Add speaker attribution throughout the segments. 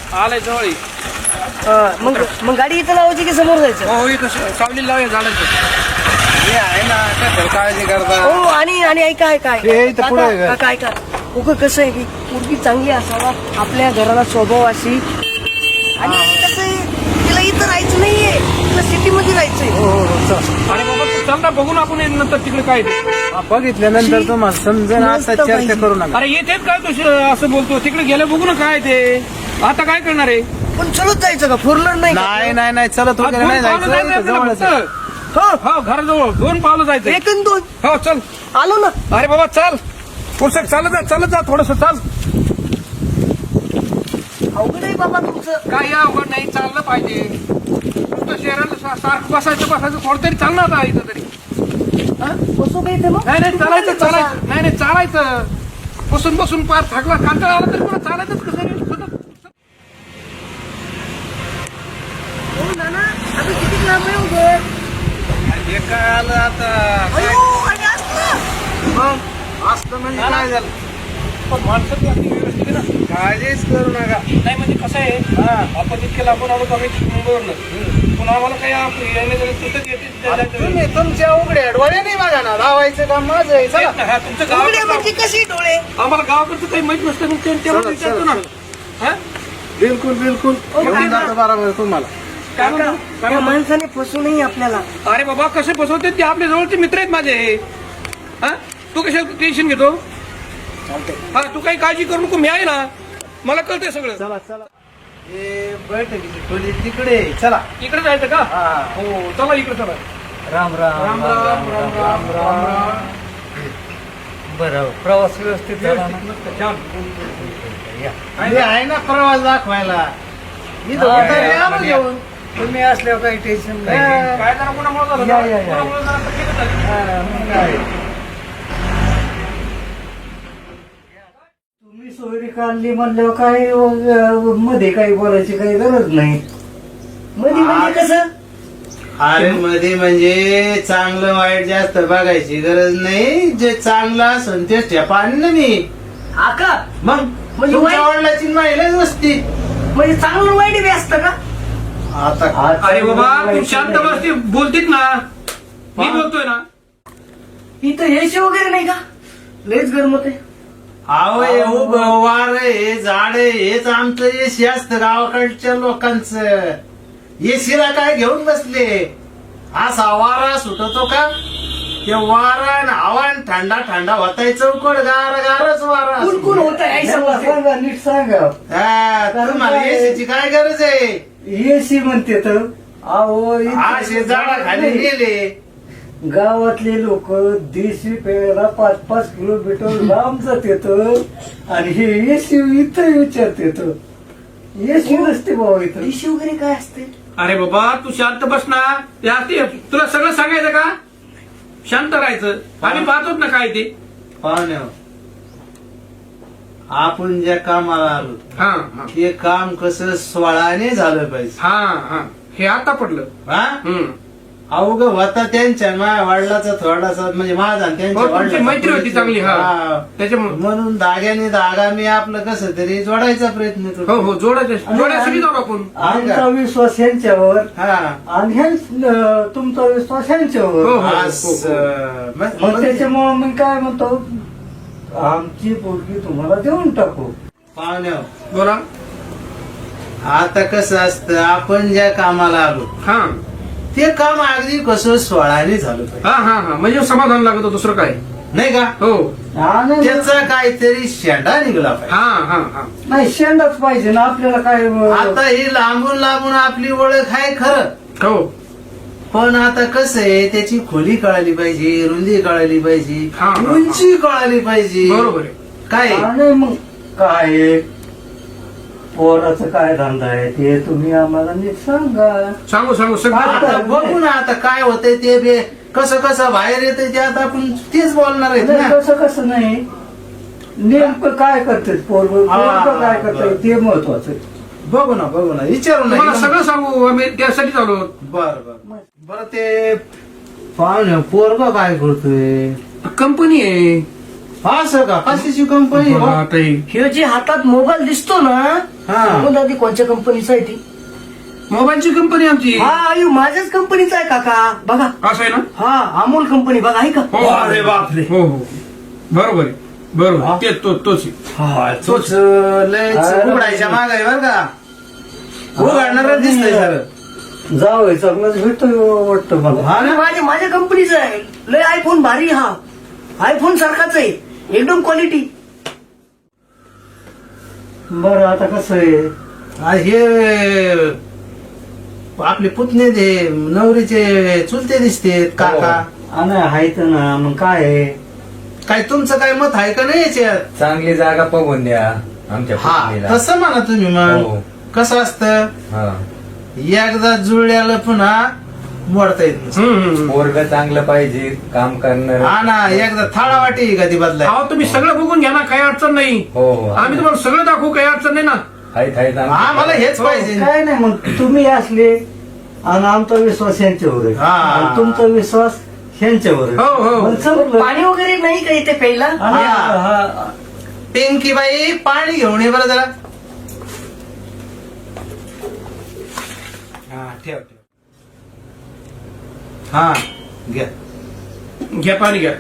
Speaker 1: आलाय जवळ
Speaker 2: मग गाडी इथं लावायची की समोर जायचं?
Speaker 1: हो इथं सावली लावूया झाडांचं हे आहे ना काय काळजी करता
Speaker 2: हो आणि ऐका
Speaker 1: हे इथं पुढे आहे का?
Speaker 2: काय उगं कसं आहे की मुलगी चांगली असावा, आपल्या घराला स्वभाव अशी, आणि कसं आहे तिला इथं राहायचं नाहीये, तिला सिटीमध्ये राहायचंय.
Speaker 1: अरे बाबा तू चल ना बघून आपण नंतर तिकडे काय ते.
Speaker 3: बघितल्यानंतर तुम्हाला समजेल. आता
Speaker 2: मस्त
Speaker 3: चर्चा
Speaker 2: पाहिजे.
Speaker 3: करू नका.
Speaker 1: अरे येतेच काय तू असं बोलतो तिकडे गेलं बघू ना काय ते आता काय करणार आहे
Speaker 2: पण चलत जायचं का? फोर व्हीलर नाही का?
Speaker 3: नाही चलत वगैरे नाही
Speaker 1: दोन पावलं
Speaker 3: जायचं.
Speaker 1: जायचं
Speaker 3: जवळच आहे.
Speaker 1: हो हो घराजवळ 2 पावलं जायचं
Speaker 2: एक आणि दोन
Speaker 1: हो चल
Speaker 2: आलो ना.
Speaker 1: अरे बाबा चाल पुस्तक चालत जा थोडस चाल
Speaker 2: अवघड आहे बाबा तुमचं.
Speaker 1: काही अवघड नाही चाललं पाहिजे नुसतं शहराला सारखं बसायचं थोडं तरी चालणार आता इथं तरी
Speaker 2: हा? बसू का इथे मग?
Speaker 1: नाही चालायचं नाही चालायचं बसून पार थकला कांटाळा आला तरी मला चालायचंच कसं रे?
Speaker 2: हो नाना, आम्ही किती लांब आहे उभं?
Speaker 1: हे काय आलं आता
Speaker 2: अयो, आणि असलं.
Speaker 3: असतं म्हणजे काय झालं?
Speaker 1: पण माणसं ती आपली व्यवस्थित आहे ना
Speaker 3: काळजीच करू नका.
Speaker 1: नाही म्हणजे कसं आहे आपण इतके लांबून आलो आम्ही मुंबईवरनं पण आम्हाला काही
Speaker 3: तुम्ही तुमच्या उघड्या डोळे नाही बघा ना, लावायचं काम माझं आहे. चला
Speaker 1: तुमचं
Speaker 2: डोळे
Speaker 1: गाव
Speaker 2: म्हणजे कशी डोळे?
Speaker 1: आम्हाला गावाकडचं काही माहित नसतं मग तेव्हा
Speaker 3: चला,
Speaker 1: विचारतो ना हा?
Speaker 3: बिलकुल घेऊन जातो बरोबर तुम्हाला.
Speaker 1: काय म्हणतो?
Speaker 2: त्या माणसाने फसू नाही आपल्याला.
Speaker 1: अरे बाबा कसे फसवते ते आपल्या जवळचे मित्र आहेत माझे हा तू कशा टेन्शन घेतो हा तू काही काळजी करू नको मी आहे ना मला कळतंय सगळं
Speaker 3: चला हे बैठकीची खोली तिकडे आहे. चला
Speaker 1: इकडे जायचं का
Speaker 3: हा.
Speaker 1: हो चला इकडे चला
Speaker 3: राम राम राम. बरं प्रवास व्यवस्थित झाला ना?
Speaker 1: छान
Speaker 3: हे आहे ना प्रवास दाखवायला. इथं
Speaker 1: हा,
Speaker 3: उतारे
Speaker 1: या,
Speaker 3: आम्हाला
Speaker 1: या.
Speaker 3: घेऊन. तुम्ही असल्यावर काही टेन्शन नाही.
Speaker 1: काय जरा कोणामुळे झालं
Speaker 3: या,
Speaker 1: ना?
Speaker 3: या, या.
Speaker 1: कोणामुळे जरा तकलीफ झाली.
Speaker 3: हा, मग काय. तुम्ही सोयरी काढली म्हणल्यावर काही मध्ये काही बोलायची काही गरज नाही.
Speaker 2: मध्ये म्हणजे कसं?
Speaker 3: अरे मध्ये म्हणजे चांगलं वाईट जास्त बघायची गरज नाही. जे चांगलं असेल ते ठेपान ना मी.
Speaker 2: हा का?
Speaker 3: मग
Speaker 2: म्हणजे
Speaker 3: तुमच्या
Speaker 2: वाईट-
Speaker 3: वडिलाची महिलाच नसती.
Speaker 2: म्हणजे चांगलं वाईट बी असतं का?
Speaker 3: आता
Speaker 1: अरे बाबा तू शांत बसती बोलतीत ना मी बोलतोय ना
Speaker 2: इथं एसी वगैरे नाही का? लयच गरम होते.
Speaker 3: अहो हे उभं वार हे झाड हेच आमचं एसी असतं गावाकडच्या लोकांचं. एसीला काय घेऊन बसले? असा वारा सुटतो का? ते वारा आणि हवा आणि थंडा होताय चौकड गारच वारा असतो.
Speaker 2: कुण होत आहे
Speaker 4: सांगा नीट सांगा.
Speaker 3: हा, तुम्हाला एसीची काय गरज आहे?
Speaker 4: एसी म्हणते तर अहो
Speaker 3: असे झाडाखाली गेले.
Speaker 4: गावातले लोक देशी प्यायला 5-5 किलोमीटर लांब जात येत आणि हे एसी इथं विचारत येत. एसी नसते बाबा इथं.
Speaker 2: एसी वगैरे काय असते?
Speaker 1: अरे बाबा तू शांत बस ना ते असते तुला सगळं सांगायचं का शांत राहायचं आम्ही पाहतोच ना काय ते
Speaker 3: पाहुणे आपण ज्या कामाला आलो
Speaker 1: हा हा
Speaker 3: ते काम कसं स्वळाने झालं पाहिजे.
Speaker 1: हा हा हे आता पडलं
Speaker 3: हा अवघ होता त्यांच्या माझ्या वडिलाचा थोडासा म्हणजे माझा आणि त्यांच्या
Speaker 1: हो, तुमची
Speaker 3: वडिलाचा
Speaker 1: मैत्री होती चांगली, हा.
Speaker 3: हा.
Speaker 1: त्याच्यामुळे
Speaker 3: म्हणून धाग्याने धागा मी आपलं कसं तरी जोडायचा प्रयत्न
Speaker 1: हो
Speaker 3: करतो.
Speaker 1: हो जोडायसाठी जाऊ आपण
Speaker 4: आमचा विश्वास यांच्यावर
Speaker 3: हा
Speaker 4: आणि तुमचा विश्वास
Speaker 1: हो,
Speaker 4: यांच्यावर.
Speaker 1: हो.
Speaker 3: असं.
Speaker 4: मग त्याच्यामुळे मी काय म्हणतो आमची पोरगी तुम्हाला देऊन टाकू.
Speaker 3: पाहुण्या
Speaker 1: बोला
Speaker 3: आता कसं असतं आपण ज्या कामाला आलो
Speaker 1: हा
Speaker 3: ते काम अगदी कसं स्वळाने झालं पाहिजे.
Speaker 1: हा हा हा म्हणजे समाधान लागत दुसरं काय
Speaker 3: नाही का?
Speaker 1: हो
Speaker 4: आणि
Speaker 3: त्याचा काहीतरी शेंडा निघाला पाहिजे.
Speaker 1: हा हा हा
Speaker 4: नाही शेंडाच पाहिजे ना आपल्याला काय.
Speaker 3: आता ही लांबून आपली ओळख आहे खरं,
Speaker 1: हो
Speaker 3: पण आता कसं आहे त्याची खोली कळाली पाहिजे, रुंदी कळाली पाहिजे,
Speaker 1: हा, हा.
Speaker 3: उंची कळाली पाहिजे.
Speaker 1: बरोबर आहे
Speaker 3: काय
Speaker 4: आणि मग काय पोराचं काय धंदा आहे ते तुम्ही आम्हाला नीट सांगा.
Speaker 1: सांगू सगळं
Speaker 3: आता बघू ना आता काय होतंय ते बे कसं बाहेर येतंय ते आता आपण तेच बोलणार आहेत
Speaker 4: नाही,
Speaker 3: ना.
Speaker 4: कसं नाही नेमकं काय करते पोरग काय करताय ते महत्वाचं.
Speaker 3: बघू ना विचारू
Speaker 1: तुम्हाला
Speaker 3: ना.
Speaker 1: सगळं सांगू आम्ही त्यासाठी चालू आहोत.
Speaker 3: बरं ते पाहुणे पोरग काय करतोय?
Speaker 1: कंपनी आहे
Speaker 3: असं का कशाची कंपनी
Speaker 1: बघा आता हे.
Speaker 2: हे जे हातात मोबाईल दिसतो ना
Speaker 3: हा.
Speaker 2: सांगून दादी कोणत्या कंपनीचा आहे ती
Speaker 1: मोबाईलची कंपनी आमची
Speaker 2: हा आयु माझ्याच कंपनीचा आहे काका बघा
Speaker 1: असं आहे ना
Speaker 2: हा अमोल कंपनी बघा आहे का
Speaker 1: हो
Speaker 3: अरे बापरे.
Speaker 1: हो हो बरोबर आहे बरोबर ते तोच आहे.
Speaker 3: तोच लयच उघडायच्या माग आहे बर का उघडणार दिसतंय सर
Speaker 4: जावं चांगलंच भेटतो वाटतं मला.
Speaker 3: हा ना
Speaker 2: माझ्या कंपनीचा आहे लय आयफोन भारी हा आयफोन सारखाच आहे एकदम क्वालिटी
Speaker 4: बरं आता कसं आहे
Speaker 3: हे आपले पुतणे ते नवरीचे चुलते दिसते काका
Speaker 4: आणि आहेत ना मग काय आहे
Speaker 3: काय तुमचं काय मत आहे का नाही याच्यात
Speaker 5: चांगली जागा बघून द्या आमच्या
Speaker 3: हा
Speaker 5: पुतणीला.
Speaker 3: तसं म्हणा तुम्ही मग
Speaker 5: हो.
Speaker 3: कसं असतं
Speaker 5: हा.
Speaker 3: एकदा जुळल्याला पुन्हा मोडता येत नसतं.
Speaker 5: पोरग चांगलं पाहिजे काम करणार.
Speaker 3: हा ना एकदा थाळा वाटी कधी बदलाय
Speaker 1: अहो तुम्ही सगळं बघून घ्या ना काही अडचण नाही
Speaker 5: हो हो
Speaker 1: आम्ही तुम्हाला सगळं दाखवू काही अडचण नाही ना
Speaker 5: आहेत आहेत
Speaker 3: हा मला हेच पाहिजे
Speaker 4: काय नाही मग तुम्ही असले आणि आमचा विश्वास यांच्यावर आहे
Speaker 3: हा.
Speaker 4: आणि तुमचा विश्वास यांच्यावर आहे.
Speaker 1: हो, हो.
Speaker 4: मग समजलं.
Speaker 2: पाणी वगैरे नाही का इथे प्यायला
Speaker 4: आणि हा,
Speaker 3: पिंकी बाई पाणी घेऊन ये बरं जरा हा ठेव ठेव हा घ्या
Speaker 1: घ्या पाणी घ्या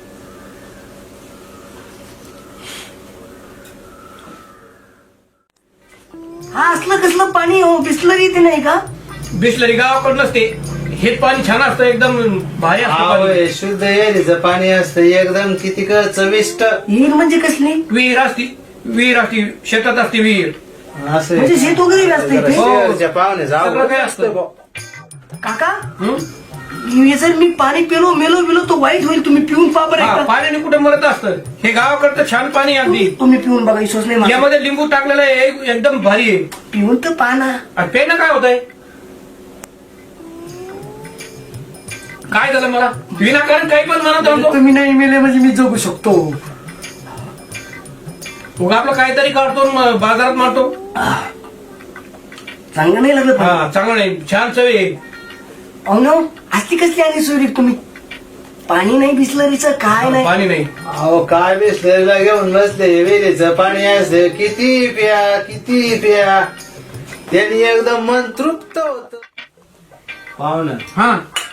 Speaker 2: हा असलं कसलं पाणी हो बिस्लरी इथे नाही का
Speaker 1: बिसलरी गावाकडूनच ते हे पाणी छान असतं एकदम भारी असतं
Speaker 3: हा
Speaker 1: पाणी.
Speaker 3: होय, शुद्ध एरीचं पाणी असतं एकदम किती चविष्ट
Speaker 2: हिर म्हणजे कसली
Speaker 1: विहीर असती शेतात असते विहीर
Speaker 3: असं
Speaker 2: म्हणजे शेत वगैरे बी असतं इथे?
Speaker 3: शेरच्या पाहुणे
Speaker 1: सगळं
Speaker 3: जाऊ
Speaker 1: काय असतं
Speaker 2: काका
Speaker 1: हं?
Speaker 2: हे जर मी पाणी पिलो मेलो बिलो तो वाईट होईल तुम्ही पिऊन पहा बरं
Speaker 1: हा,
Speaker 2: एकदा.
Speaker 1: पाण्याने कुठे मरत असतं हे गावाकडचं छान पाणी आहे अगदी
Speaker 2: तुम्ही पिऊन बघा विश्वास नाही माझा.
Speaker 1: यामध्ये लिंबू टाकलेलं आहे एकदम भारी आहे
Speaker 2: पिऊन तर पहा ना
Speaker 1: आणि पेनं काय होतंय काय झालं मला विनाकारण काही पण म्हणत होतो
Speaker 2: तुम्ही नाही मेले म्हणजे मी जगू शकतो
Speaker 1: उगा आपलं काहीतरी काढतो आणि बाजारात मारतो
Speaker 2: चांगलं नाही लागलं पाणी.
Speaker 1: हा चांगलं नाही छान चवी आहे
Speaker 2: अहो ना असली कसली आणि सोयरी तुम्ही पाणी नाही बिस्लरीचं काय नाही
Speaker 1: पाणी नाही
Speaker 3: अहो काय बिसलेला घेऊन बसले विहिरीचं पाणी असं किती प्या त्यांनी एकदम मन तृप्त होत पाहुणं
Speaker 1: हा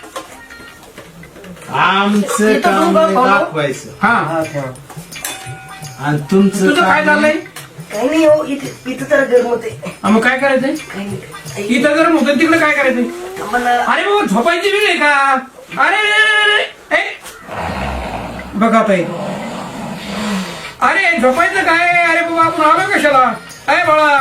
Speaker 3: आमचं
Speaker 2: इथं
Speaker 3: काम
Speaker 2: दोघं पाहुणं?
Speaker 3: दाखवायचं
Speaker 1: हा
Speaker 4: हा, ठेवा.
Speaker 3: आणि तुमचं
Speaker 1: तुझं काय
Speaker 3: काम
Speaker 1: चाललंय
Speaker 2: काही नाही हो इथे इथं तर गरम होते
Speaker 1: हा, मग काय करायचंय
Speaker 2: काही नाही
Speaker 1: इथं जर होतं तिकडे काय करायचंय
Speaker 2: आम्हाला
Speaker 1: अरे बाबा झोपायची वेळ आहे का अरे ए. बघा ताई अरे झोपायचं काय अरे बाबा आपण आलो कशाला अरे बाळा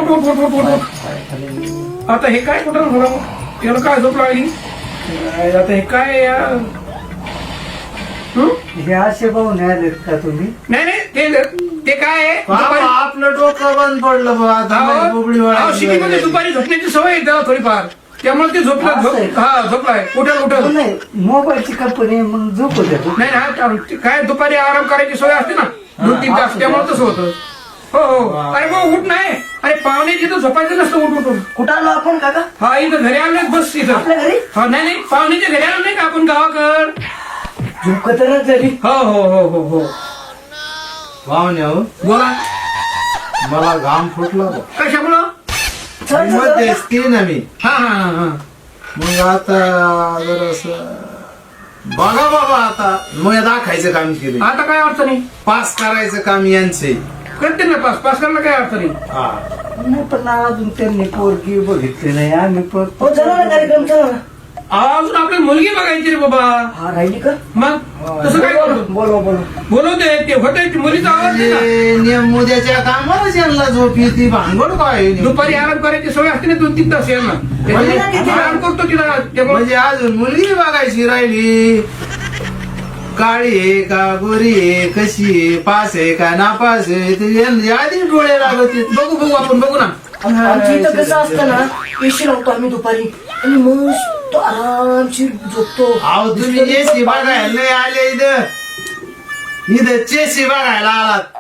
Speaker 1: पोट आता हे काय कुठं झालं याला काय झोप लागली आता हे काय यार? हं?
Speaker 4: हे असे पाहुणे आलेत का तुम्ही
Speaker 1: नाही नाही ते काय आहे
Speaker 3: बाबा,
Speaker 1: दुपारी-
Speaker 3: आपलं डोकं बंद पडलं बा आता माझी बुबडी
Speaker 1: अहो, सिटीमध्ये
Speaker 3: वाढायची.
Speaker 1: दुपारी झोपण्याची सवय आहे त्याला थोडीफार त्यामुळे ते झोपला
Speaker 4: असं आहे का?
Speaker 1: हा झोपलाय उठल उठल
Speaker 4: नाही मोबाईलची कंपनी मग झोपू द्या तू.
Speaker 1: नाही ना ते काय दुपारी आराम करायची सोय असते ना 2-3 तास त्यामुळे तसं होतं हो हो अरे मग उठ नाही अरे पाहुणे तिथं झोपायचं नसतं उठ उठून
Speaker 2: कुठं आलो आपण काका
Speaker 1: हा इथं घरी आले बस इथं
Speaker 2: आपल्या घरी
Speaker 1: हा नाही नाही पाहुणेच्या घरी आलो नाही का आपण गावाकड
Speaker 2: झोपकतरच झाली
Speaker 1: हो हो हो हो हो
Speaker 3: पाहुणे हो
Speaker 1: बोला
Speaker 3: मला घाम फुटला बा.
Speaker 1: कशामुळं
Speaker 2: चल, चल,
Speaker 3: मग
Speaker 2: चल.
Speaker 3: तेच ती ना मी
Speaker 1: हा हा हा हा
Speaker 3: मग आता जरास बघा बाबा आता मग दाखायचं काम केलं
Speaker 1: आता काय अडचण नाही
Speaker 3: पास करायचं काम यांचे
Speaker 1: करते ना पास करायला काय अडचण नाही
Speaker 3: हा
Speaker 4: नाही पण अजून त्यांनी पोरगी बघितली नाही आम्ही पण
Speaker 2: हो चला ना कार्यक्रम चला ना
Speaker 1: अजून आपली मुलगी बघायची रे बाबा
Speaker 2: हा राहिली का
Speaker 1: मग तसं काय करू
Speaker 4: बोलवा बोलवा
Speaker 1: बोलवते ते होते मुलीचा आवाज नाही ना.
Speaker 3: नियम उद्याच्या कामालाच यांना झोप येते भांगड काय
Speaker 1: दुपारी आराम करायची सवय असते ना 2-3 तास यांना त्याच्यामुळे आराम करतो तिला त्यामुळे
Speaker 3: म्हणजे अजून मुलगी बघायची राहिली काळी आहे का गोरी आहे कशी आहे पास आहे का नापास आहे ते यांचे आधी डोळे लागत आहेत.
Speaker 1: बघू आपण बघू ना
Speaker 2: आमच्या इथं कसं असतं ना पेशी लावतो आम्ही दुपारी आणि मस्त आरामशीर झोपतो
Speaker 3: अहो तुम्ही एसी बघायला नाही आले इथं चेसी बघायला आलात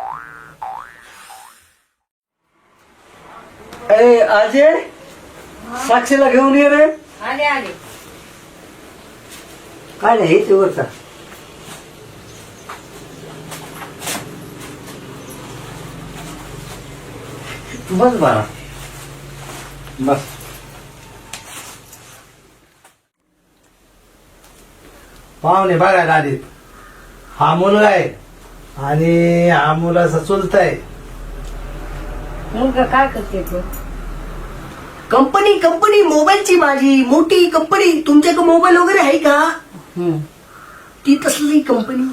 Speaker 4: ए अजय साक्षीला घेऊन ये रे
Speaker 2: आले आले
Speaker 4: काय नाही हे ते वरचा बस बाळा बस.
Speaker 3: पाहुणे बघायला आले. हा मुलगा आहे आणि हा मुलाचा चुलता आहे.
Speaker 2: मुलगा काय करते तू? कंपनी मोबाईलची माझी मोठी कंपनी. तुमच्याकडे मोबाईल वगैरे आहे का? ती तसली कंपनी.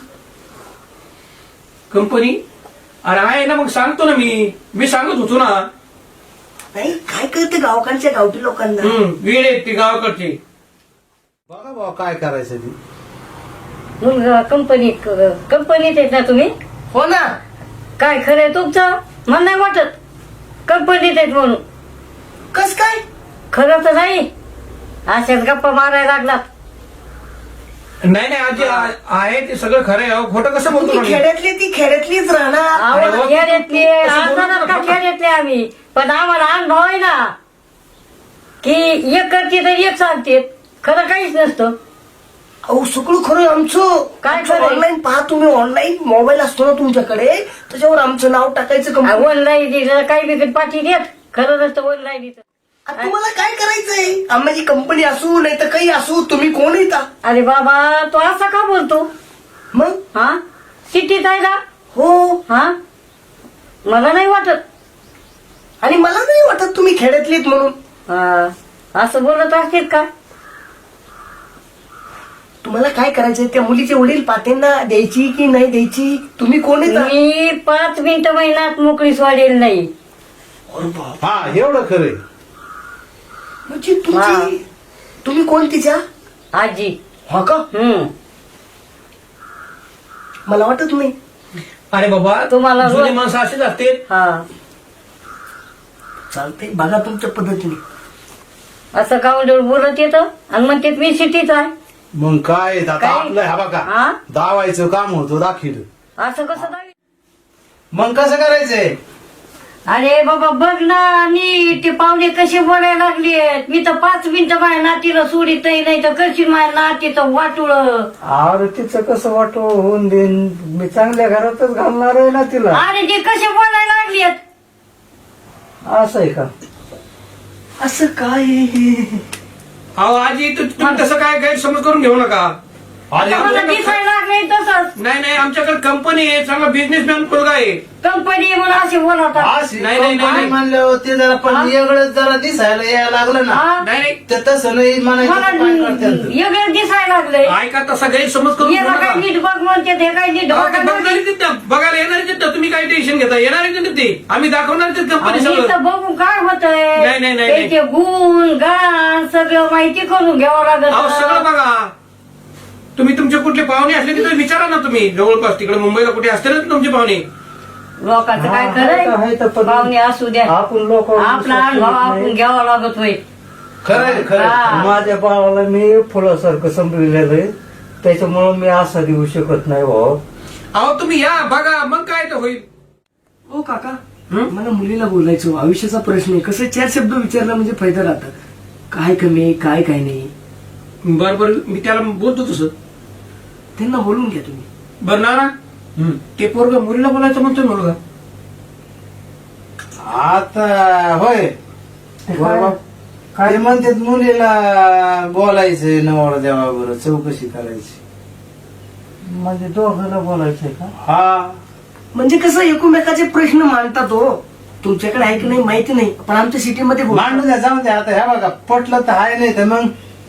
Speaker 1: कंपनी? अरे आहे ना, मग सांगतो ना मी सांगत होतो ना.
Speaker 2: नाही काय कळतं गावकडच्या गावठी लोकांना.
Speaker 1: वेळ आहेत ते गावाकडचे.
Speaker 3: बघा भाऊ काय करायचं ते.
Speaker 6: मुलगा कंपनीत येत ना तुम्ही?
Speaker 2: हो ना.
Speaker 6: काय खरंय तुमचं? मला नाही वाटत कंपनीत येत म्हणून.
Speaker 2: कस काय?
Speaker 6: खरं तर नाही, अशाच गप्पा मारायला लागलात.
Speaker 1: नाही आजी आहे ते सगळं खरं आहे. खोटं कसं बोलतो
Speaker 2: ती
Speaker 1: म्हणे?
Speaker 2: खेड्यातली ती खेड्यातलीच राहणार.
Speaker 6: आम्हाला खेड्यातले आजारात का खेड्यातले आम्ही, पण आम्हाला अनुभव आहे ना की एक करते तर एक सांगते. खरं काहीच नसतं.
Speaker 2: अहो सगळं खरं आमचं.
Speaker 6: काय खरं?
Speaker 2: ऑनलाईन पहा तुम्ही. ऑनलाईन मोबाईल असतो ना तुमच्याकडे, त्याच्यावर आमचं नाव टाकायचं. कंपनी.
Speaker 6: ऑनलाईन काही बिकट पाठी देत. खरं नसतं ऑनलाईन.
Speaker 2: आता तुम्हाला काय करायचंय? आम्हाला कंपनी असू नाही तर काही असू, तुम्ही कोण येता?
Speaker 6: अरे बाबा तो असा का बोलतो?
Speaker 2: मग
Speaker 6: हा सिटीत आहे ना.
Speaker 2: हो.
Speaker 6: हा मला नाही वाटत.
Speaker 2: आणि मला नाही वाटत तुम्ही खेड्यातलीत म्हणून.
Speaker 6: हा, असं बोलत असतील का?
Speaker 2: तुम्हाला काय करायचंय? त्या मुलीचे वडील पातेंना द्यायची की नाही द्यायची? तुम्ही कोण येता?
Speaker 6: मी 5 मिनिटं महिन्यात मोकळी सोडेल नाही.
Speaker 2: अरे बाप.
Speaker 3: हा एवढं खरंय.
Speaker 2: म्हणजे तुमची तुम्ही कोण तिच्या?
Speaker 6: आजी.
Speaker 2: हा का? मला वाटत नाही.
Speaker 1: अरे बाबा
Speaker 6: तुम्हाला
Speaker 1: जुने माणसं असेच असते.
Speaker 6: हा
Speaker 2: चालतंय बघा तुमच्या पद्धतीने.
Speaker 6: असं काउंटर बोलत येतं आणि म्हणते मी सिटीत आहे.
Speaker 3: मग काय आता
Speaker 6: काय?
Speaker 3: आपलं हा बघा
Speaker 6: हा?
Speaker 3: दावायचं काम होतं दाखिल.
Speaker 6: असं कसं नाही?
Speaker 3: मग कसं करायचंय?
Speaker 6: अरे बाबा बघ ना, नीट ते पाहुणे कसे बोलायला लागलेत. मी तर 5 मिनिटं माझ्या नातीला सोडित नाही तर करशील माझ्या नातीचं वाटुळ.
Speaker 4: अरे तिचं कसं वाटो होऊन देईन, मी चांगल्या घरातच घालणार आहे ना तिला.
Speaker 6: अरे ते कसे बोलायला लागलेत.
Speaker 4: असं आहे का?
Speaker 2: असं काय हे?
Speaker 1: अहो आजी तुम्ही तसं काय गैरसमज करून घेऊ नका.
Speaker 3: अरे
Speaker 6: मला दिसायला लागले तसंच.
Speaker 1: नाही आमच्याकडे कंपनी आहे, चांगला बिझनेसमॅन मुलगा आहे.
Speaker 6: कंपनी म्हणून असे बोलवतात.
Speaker 1: नाही.
Speaker 3: म्हणलं ते जरा पण वेगळं जरा दिसायला यायला लागलं ना.
Speaker 6: हा?
Speaker 1: नाही
Speaker 3: ते तसं नाही
Speaker 6: मला
Speaker 3: म्हणायचं.
Speaker 6: वेगळं दिसायला लागलंय.
Speaker 1: ऐका तसा गैरसमज करून घेऊ
Speaker 6: याला
Speaker 1: नका.
Speaker 6: काय नीट बघ म्हणते ते काय नीट
Speaker 1: अहो, ते
Speaker 6: बघा.
Speaker 1: बघणारीच आहेत ना, बघायला येणारच आहेत ना. तुम्ही काय टेन्शन घेता? येणारच आहेत ते. आम्ही दाखवणारच कंपनी
Speaker 6: आणि
Speaker 1: सगळं.
Speaker 6: इथं बघून काय होतंय?
Speaker 1: नाही.
Speaker 6: त्याचे गुण गाण सगळं माहिती करून घ्यावं
Speaker 1: अहो सगळं
Speaker 6: लागत.
Speaker 1: बघा. तुम्ही तुमचे कुठले पाहुणे असले तिथे विचारा ना तुम्ही. जवळपास तिकडे मुंबईला कुठे असते ना तुमचे पाहुणे.
Speaker 6: लोकांचं काय
Speaker 4: हा, आहे
Speaker 6: खरंय?
Speaker 4: तर पण
Speaker 6: पाहुणे असू द्या.
Speaker 4: आपण लोक
Speaker 6: आपला अनुभव आपण घ्यावा लागत होय.
Speaker 3: खरंय खरंय.
Speaker 6: हा.
Speaker 4: माझ्या बाळाला मी फुलासारखं संपलेलं आहे, त्याच्यामुळं मी असा देऊ शकत नाही भाऊ.
Speaker 1: अहो तुम्ही या बघा, मग काय तर होईल.
Speaker 2: हो काका, मला मुलीला बोलायचं. आयुष्याचा प्रश्न आहे. कसं 4 शब्द विचारला म्हणजे फायदा राहतात. काय कमी आहे, काय नाही.
Speaker 1: बरं मी त्याला बोलतो तसं.
Speaker 2: त्यांना बोलून घ्या तुम्ही.
Speaker 1: बरं ना ते पोरग मुलीला बोलायचं म्हणतोय मुलगा.
Speaker 3: आता होय बरोबर. काय म्हणतात मुलीला बोलायचं नवरा देवाबरोबर चौकशी करायची.
Speaker 4: म्हणजे दोघांना बोलायचंय का?
Speaker 3: हा
Speaker 2: म्हणजे कसं एकमेकाचे प्रश्न मांडतात हो. तुमच्याकडे आहे की नाही माहिती नाही, पण आमच्या सिटीमध्ये
Speaker 3: मांडू द्या जाऊ द्या. आता ह्या बघा पटलं तर आहे, नाही तर मग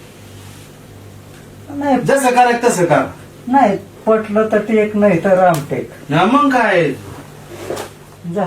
Speaker 4: नाही
Speaker 3: जसं करायचं तसं करा.
Speaker 4: नाही पटलं तर टेक, नाही तर रामटेक.
Speaker 3: ना मग काय.
Speaker 4: जा.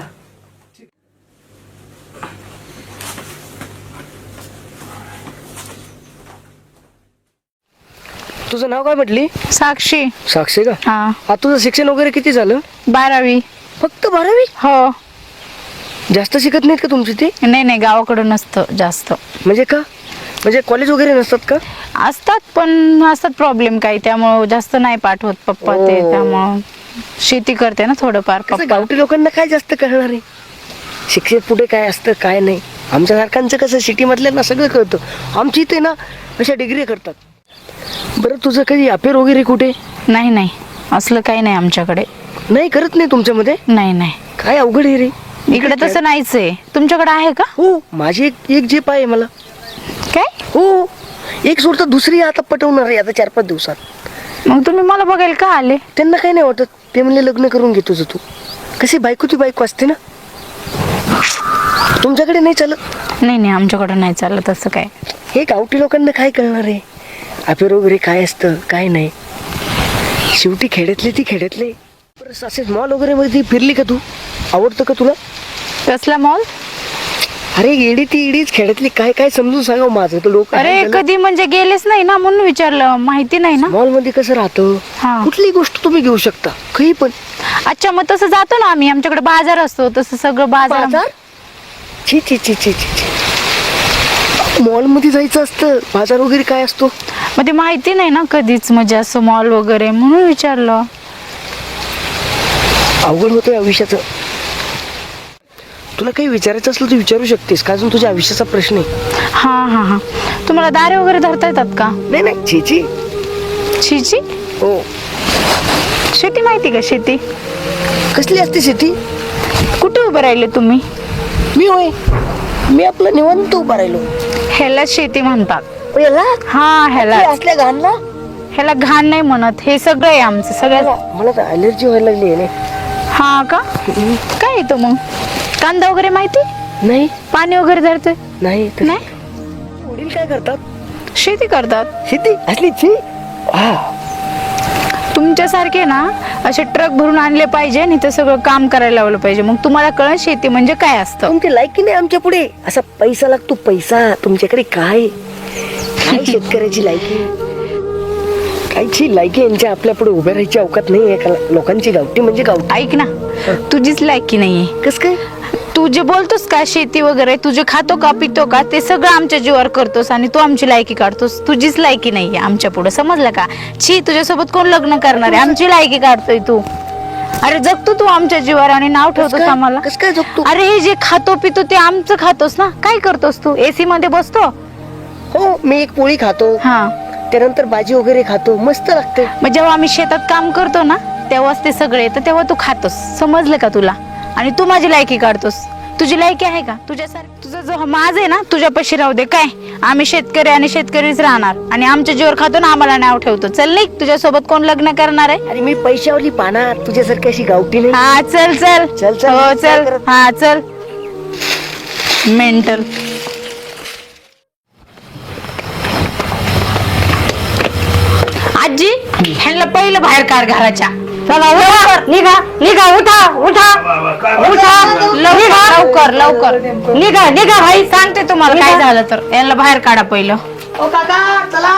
Speaker 2: तुझं नाव काय म्हटली?
Speaker 7: साक्षी.
Speaker 2: साक्षी का?
Speaker 7: हा,
Speaker 2: आता तुझं शिक्षण वगैरे किती झालं?
Speaker 7: 12वी.
Speaker 2: फक्त 12वी?
Speaker 7: हो.
Speaker 2: जास्त शिकत नाहीत का तुमची ते?
Speaker 7: नाही गावाकडं नसतं जास्त.
Speaker 2: म्हणजे का? म्हणजे कॉलेज वगैरे नसतात का?
Speaker 7: असतात प्रॉब्लेम काही, त्यामुळं जास्त नाही पाठवत पप्पा ते.
Speaker 2: ओ.
Speaker 7: त्यामुळं शेती करते ना थोडंफार
Speaker 2: कसं
Speaker 7: पप्पा.
Speaker 2: गावठी लोकांना काय जास्त कळणार आहे? शिक्षण पुढे काय असतं काय नाही. आमच्या सारखांचं कसं सिटी मधल्यांना सगळं कळतं. आमची इथे ना अशा डिग्री करतात. बरं तुझं कधी अफेअर वगैरे कुठे?
Speaker 7: नाही असलं काही नाही आमच्याकडे.
Speaker 2: नाही करत नाही तुमच्यामध्ये?
Speaker 7: नाही
Speaker 2: काय अवघड आहे रे.
Speaker 7: इकडे तसं नाहीच आहे. तुमच्याकडे आहे का?
Speaker 2: हो, माझी एक जीप आहे मला.
Speaker 7: काय?
Speaker 2: हो, एक सोडता दुसरी आता पटवणार आहे आता 4-5 दिवसात.
Speaker 7: मग तुम्ही मला बघायला का आले?
Speaker 2: त्यांना काही नाही वाटत, ते म्हणले लग्न करून घे तुझं तू. कशी बायको ती बायको असते ना. तुमच्याकडे नाही चालत?
Speaker 7: नाही नाही, आमच्याकडे नाही चाललं तसं काय.
Speaker 2: हे गावठी लोकांना काय कळणार आहे अफेअर वगैरे काय असतं काय नाही. शेवटी खेड्यातले ती खेड्यातले. बरं, असे मॉल वगैरे मध्ये फिरली का तू? आवडतं का तुला?
Speaker 7: कसला मॉल?
Speaker 2: अरे येडी ती येडीच खेड्यातली, काय काय समजून सांगा माझं तर लोक.
Speaker 7: अरे कधी म्हणजे गेलेच नाही ना म्हणून विचारलं. माहिती नाही ना.
Speaker 2: मॉल मध्ये कसं राहतं,
Speaker 7: हा.
Speaker 2: कुठली गोष्ट तुम्ही घेऊ शकता काही पण.
Speaker 7: अच्छा, मग तसं जातो ना आम्ही. आमच्याकडे बाजार असतो तसं सगळं बाजार.
Speaker 2: बाजार? छी छी छी छी छी छी. मॉल मध्ये जायचं असतं, बाजार वगैरे काय असतो?
Speaker 7: मग ते माहिती नाही ना कधीच, म्हणजे असं मॉल वगैरे म्हणून विचारलं.
Speaker 2: अवघड होतं आयुष्याचं. तुला काही विचारायचं असलं तर विचारू शकतेस का, अजून तुझ्या आयुष्याचा प्रश्न आहे.
Speaker 7: हा हा हा. तुम्हाला दारे वगैरे धरता येतात का?
Speaker 2: नाही नाही, छी छी.
Speaker 7: शेती?
Speaker 2: हो.
Speaker 7: शेती माहिती का? शेती
Speaker 2: कसली असते शेती?
Speaker 7: कुठे उभे राहिले तुम्ही?
Speaker 2: मी होय, मी आपलं निवांत उभा राहिलो.
Speaker 7: ह्याला शेती म्हणतात.
Speaker 2: याला
Speaker 7: हा, ह्याला
Speaker 2: असल्या घाणला
Speaker 7: ह्याला घाण नाही म्हणत. हे सगळं आहे आमचं सगळं.
Speaker 2: मला तर अलर्जी व्हायला लागली आहे.
Speaker 7: हा का? काय येतो मग? कांदा वगैरे माहिती?
Speaker 2: नाही
Speaker 7: पाणी वगैरे धरते?
Speaker 2: नाही.
Speaker 7: नाही.
Speaker 2: वडील काय करतात?
Speaker 7: शेती करतात.
Speaker 2: शेती असली छी. हा,
Speaker 7: तुमच्यासारखे ना असे ट्रक भरून आणले पाहिजे आणि ते सगळं काम करायला लावलं पाहिजे. मग तुम्हाला कळलं शेती म्हणजे काय असतं.
Speaker 2: तुमची लायकी नाही आमच्या पुढे. असा पैसा लागतो पैसा. तुमच्याकडे काय काय शेतकऱ्याची लायकी, कायची लायकी यांच्या आपल्या पुढे उभ्या राहायची अवकात नाही एका लोकांची. गावठी म्हणजे गावठी.
Speaker 7: ऐक ना, तुझीच लायकी नाहीये.
Speaker 2: कस काय?
Speaker 7: तू जे बोलतोस का शेती वगैरे, तू जे खातो का पितो का ते सगळं आमच्या जीवावर करतोस आणि तू आमची लायकी काढतोस. तुझीच लायकी नाहीये आमच्या पुढे, समजलं का? छी, तुझ्यासोबत कोण लग्न करणार आहे? आमची लायकी काढतोय तू. अरे जगतो तू आमच्या जीवावर आणि नाव ठेवतोस आम्हाला.
Speaker 2: कस काय जगतो?
Speaker 7: अरे हे जे खातो पितो ते आमचं खातोस ना. काय करतोस तू? एसी मध्ये बसतो?
Speaker 2: हो, मी एक पोळी खातो,
Speaker 7: हा.
Speaker 2: त्यानंतर भाजी वगैरे खातो, मस्त लागते.
Speaker 7: मग जेव्हा आम्ही शेतात काम करतो ना तेव्हाच ते सगळे येतं, तेव्हा तू खातोस. समजलं का तुला? आणि तू माझी लायकी काढतोस. तुझी लायकी आहे का? तुझ्यासारखं तुझं जो माझ आहे ना तुझ्यापाशी राहू दे. काय आम्ही शेतकरी आणि शेतकरीच राहणार आणि आमच्या जीवर खातो ना आम्हाला नाव ठेवतो. चल नाही, तुझ्यासोबत कोण लग्न करणार आहे?
Speaker 2: आणि मी पैशावरली पाहणार, तुझ्यासारखी अशी गावठी नाही.
Speaker 7: हा चल चल
Speaker 2: चल, चल.
Speaker 7: हो चल. हा चल. मेंटल. आजी, ह्यांना पहिलं बाहेर काढ घराच्या.
Speaker 6: चला उठा, निघा निघा, उठा उठा उठा,
Speaker 7: लवकर लवकर
Speaker 6: निघा निघा भाई.
Speaker 7: सांगते तुम्हाला काय झालं तर. यांना बाहेर काढा पहिलं.
Speaker 2: ओ काका चला.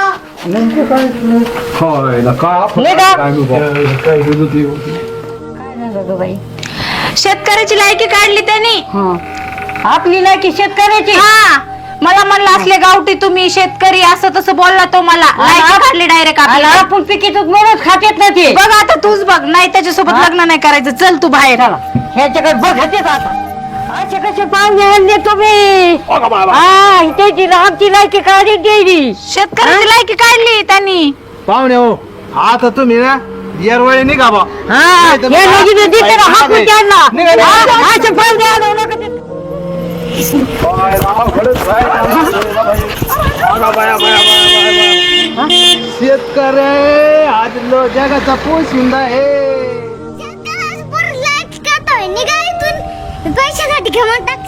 Speaker 7: शेतकऱ्याची लायकी काढली त्यांनी.
Speaker 6: आपली लायकी शेतकऱ्याची.
Speaker 7: हा, मला म्हणलं असले गावठी तुम्ही शेतकरी असं तसं बोलला तो मला. लायकी काढली डायरेक्ट
Speaker 6: आणि
Speaker 7: आपल्याला.
Speaker 6: आपण पिकीतच म्हणून खातेत ना ते.
Speaker 7: बघ आता तूच बघ. नाही त्याच्यासोबत लग्न नाही करायचं. चल तू बाहेर.
Speaker 6: ह्याच्याकडे बघतेच आता. असे कसे पाहुणे आणले तुम्ही? हा, त्याची आमची लायकी काढी द्यायची.
Speaker 7: शेतकऱ्याची लायकी काढली त्यांनी.
Speaker 3: पाहुणे हो, आता तुम्ही ना येरवळी निघा बा.
Speaker 6: हा, हे लगीन देते ना, हाकून त्यांना.
Speaker 3: निघा.
Speaker 6: हा, असे पाहुणे आणू नका ते.
Speaker 3: शेतकरी आज जगाचा पोशिंदा आहे.
Speaker 8: निघा इथून पैशासाठी घेऊन टाक.